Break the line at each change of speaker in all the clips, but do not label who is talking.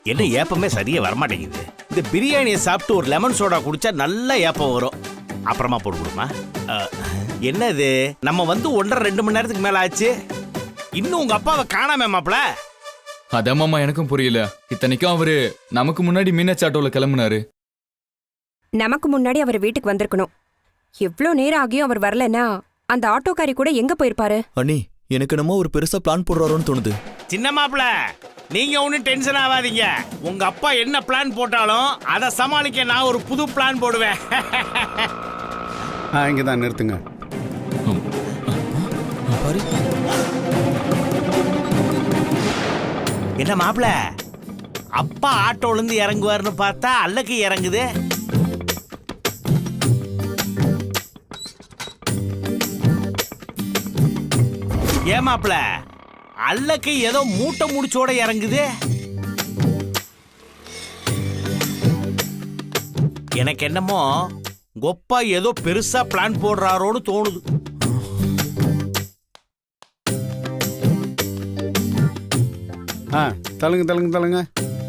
என்ன ஏப்பமே சரியா வரமாட்டேங்குது. இந்த பிரியாணியை சாப்பிட்டு ஒரு லெமன் சோடா குடிச்சா நல்ல ஏப்பம் வரும். அப்புறமா போட்டு கொடுமா. என்னது நம்ம வந்து 1.5-2 மணி நேரத்துக்கு மேல ஆச்சு, இன்னும் உங்க அப்பாவை காணாம மாப்ள.
அதான் மாமா எனக்கும் புரியல. இத்தனைக்கும் அவரு நமக்கு முன்னாடி மீனாட்சி ஆட்டோல கிளம்புனாரு.
நமக்கு முன்னாடி அவர் வீட்டுக்கு வந்திருக்கணும். எவ்ளோ நேரம் ஆகியும் அவர் வரலன்னா அந்த ஆட்டோக்காரி கூட எங்க போயிருப்பாரு?
அண்ணி, எனக்கு நம்ம ஒரு பெருசா பிளான் போடுறாரோன்னு தோணுது.
சின்ன மாப்ள, நீங்க ஒன்னும் டென்ஷன் ஆகாதீங்க. உங்க அப்பா என்ன பிளான் போட்டாலும் அதை சமாளிக்க நான் ஒரு புது பிளான் போடுவேன்.
இங்கதான் நிறுத்துங்க.
என்ன மாப்ள, அப்பா ஆட்டோல இருந்து இறங்குவாருன்னு பார்த்தா அல்லக்கு இறங்குது. ஏன் மாப்ள, அல்லக்கு ஏதோ மூட்டை முடிச்சோட இறங்குது. எனக்கு என்னமோ கொப்பா ஏதோ பெருசா பிளான் போடுறாரோன்னு தோணுது.
தள்ளுங்க தள்ளுங்க தள்ளுங்க.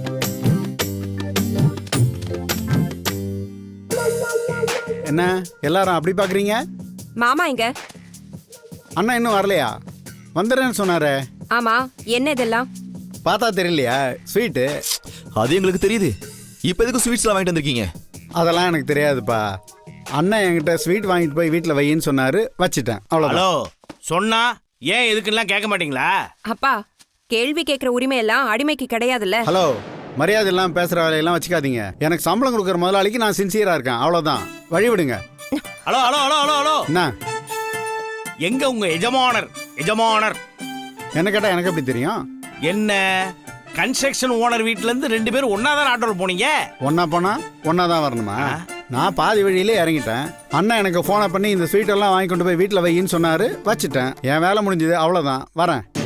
என்ன எல்லாரும் அப்படி பாக்குறீங்க?
மாமா எங்க?
அண்ணா இன்னும் வரலையா? வந்துடுறேன்னு சொன்னாரே.
ஆமா, என்ன இதெல்லாம்?
பார்த்தா தெரியலையா? ஸ்வீட்டு.
அது எங்களுக்கு தெரியுது. இப்ப எதுக்கு ஸ்வீட்ஸ்லாம் வாங்கிட்டு வந்திருக்கீங்க?
அதெல்லாம் எனக்கு தெரியாதுப்பா. அண்ணன் என்கிட்ட ஸ்வீட் வாங்கிட்டு போய் வீட்டில் வையின்னு சொன்னாரு, வச்சுட்டேன். அவ்வளோதான்.
ஹலோ, சொன்னா ஏன் எதுக்குலாம் கேட்க மாட்டீங்களா?
அப்பா, கேள்வி கேட்கிற உரிமை எல்லாம் அடிமைக்கு கிடையாதுல்ல.
ஹலோ, மரியாதை இல்லாமல் பேசுகிற வேலையெல்லாம் வச்சுக்காதீங்க. எனக்கு சம்பளம் கொடுக்குற முதலாளிக்கு நான் சின்சியராக இருக்கேன், அவ்வளோதான். வழி விடுங்க.
Hello hello hello hello hello,
என்ன
எங்க உங்க எஜமானர்? எஜமானர்
என்ன கேட்டால் எனக்கு எப்படி தெரியும்?
என்ன கன்ஸ்ட்ரக்ஷன் ஓனர் வீட்ல இருந்து 2 பேரும் ஒன்னாதான் ஆட்டோல போனீங்க?
ஒன்னா போனா ஒன்னா தான் வரணுமா? நான் பாதி வழியிலே இறங்கிட்டேன். அண்ணன் எனக்கு ஃபோனை பண்ணி இந்த ஸ்வீட் எல்லாம் வாங்கி கொண்டு போய் வீட்டில் வையின்னு சொன்னாரு, வச்சுட்டேன். என் வேலை முடிஞ்சது, அவ்வளோதான். வரேன்.